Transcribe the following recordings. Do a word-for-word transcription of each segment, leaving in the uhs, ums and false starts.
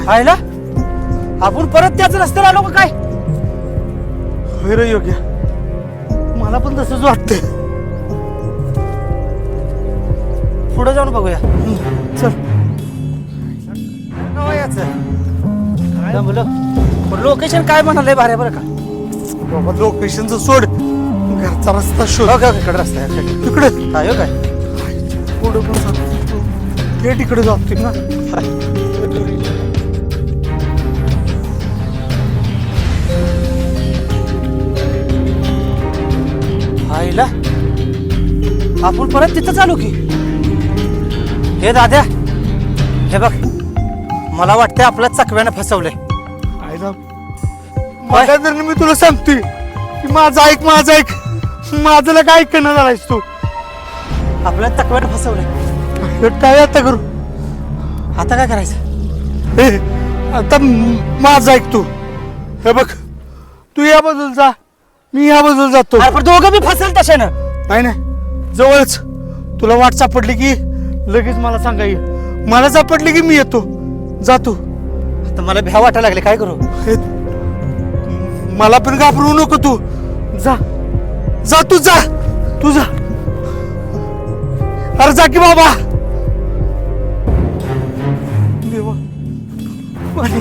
आयला आपण परत त्याच रस्त्याला आलो का काय? होय रे योग्य, मला पण तसंच वाटतंय. पुढे जाऊन बघूया. चल. काय बोल लोकेशन काय म्हणालंय भारे बरं का? बाबा लोकेशनचं सोड, घरचा रस्ता शोध. हो का इकडे रस्ता आहे तिकडे काय हो काय? पुढे पण जातो हे तिकडे जातोय ना. आईला आपण परत तिथं चालू की? हे दाद्या, हे बघ मला वाटतंय आपल्या चकव्यानं फसवलंय. आईला माझ्या तर मी तुला सांगतोय की माझं ऐक माझं ऐक माझं काय ऐकणं झालायस तू. आपल्या चकव्यानं फसवलंय. हे काय आता करू? आता काय करायचं? हे आता माझं ऐक तू. हे बघ तू या बाजूला जा, मी या बाजूला जातो. अरे पण दोघं बी फसेल तशानं. नाही नाही जवळच. तुला वाट सापडली की लगेच मला सांगा ये. मला सापडली की मी येतो. जातो. आता मला भ्या वाटायला लागले, काय करू? हे मला पण घाबरवू नको तू. जा जा तू जा तू जा. अरे जा की बाबा. देवा पाणी.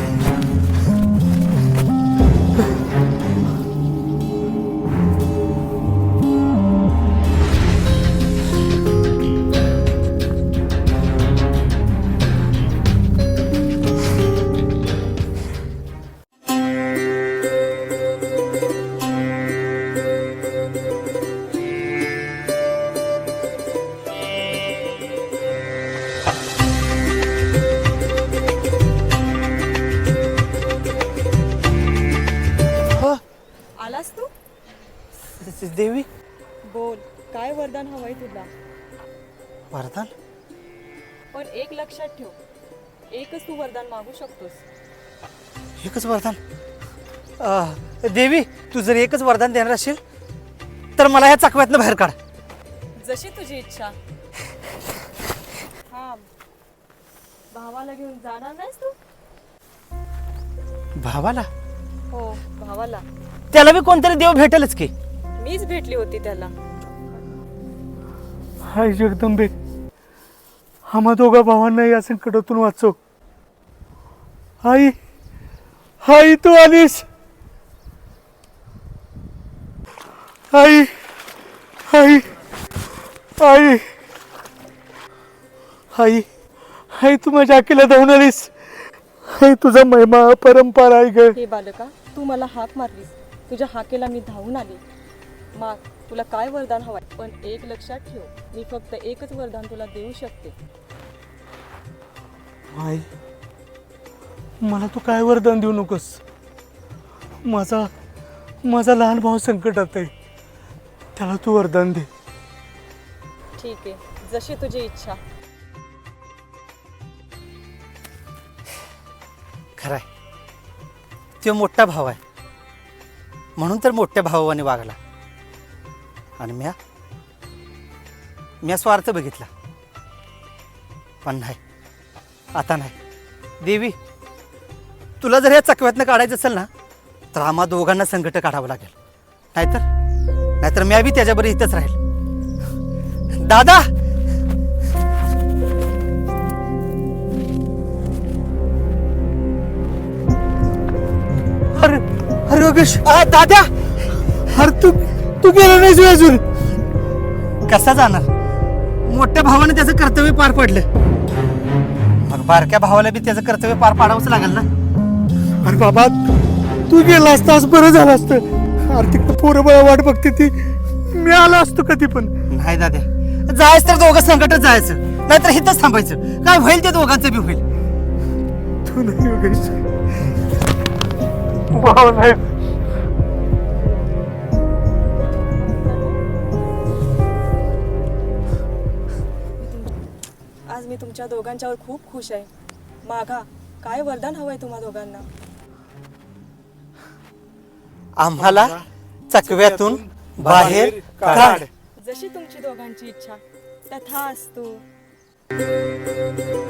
आलास तू? देवी बोल, काय वरदान हवंय तुला? वरदान? पण एक लक्षात ठेव, एकच तू वरदान मागू शकतोस. एकच वरदान? अं, देवी तू जर एकच वरदान देणार असेल तर मला ह्या चकव्यातनं बाहेर काढ. जशी तुझी इच्छा. थांब, भावाला घेऊन जाणार नाहीस तू? भावाला? हो, भावाला. त्याला बी कोणतरी देव भेटेलच की. मीच भेटली होती त्याला. हाय जगदंबे, आम्हा दोघा भावांना या संकटातून वाचव. आई आई तू आलीस. आई आई आई आई आई तू माझ्या अकेला धावून आलीस. आई तुझा महिमा परंपरा आहे ग. हे बालका, तू मला हाक मारलीस, तुझ्या हाकेला मी धावून आले. माग, तुला काय वरदान हवंय? पण एक लक्षात ठेव, मी फक्त एकच वरदान तुला देऊ शकते. आई मला तू काय वरदान देऊ नकोस. माझा माझा लहान भाऊ संकटात आहे, त्याला तू वरदान दे. ठीक आहे, जशी तुझी इच्छा. खरंय, तो मोठा भाव आहे म्हणून तर मोठ्या भावाने वागला. आणि म्या म्या स्वार्थ बघितला. पण नाही, आता नाही. देवी तुला जर ह्या चकव्यातनं काढायचं असेल ना तर आम्हा दोघांना संकट काढावं लागेल. नाहीतर नाहीतर म्या बी त्याच्याबरोबर इथंच राहील. दादा अरे अरे योगेश, आ, दादा अरे तू तू गेला नाहीस अजून. कसा जाणार? मोठ्या भावाने त्याचं कर्तव्य पार पडलं, मग बारक्या भावाला बी त्याचं कर्तव्य पार पाडावंच लागेल ना. अरे बाबा तू गेला असतास बरं झालं असतं. अरे तिकडे पोरं बळा वाट बघते ती, मी आलो असतो कधी पण. नाही दादा, जायचं तर दोघं संकटच जायचं, नाहीतर इथंच थांबायचं. काय होईल ते दोघांचं बी होईल. तू नाही योगेश, भाव नाही. आज मी तुमच्या दोघांच्यावर खूप खुश आहे. मागा, काय वरदान हवंय तुम्हा दोघांना? आम्हाला चकव्यातून बाहेर काढ. जशी तुमची दोघांची इच्छा तथास्तु.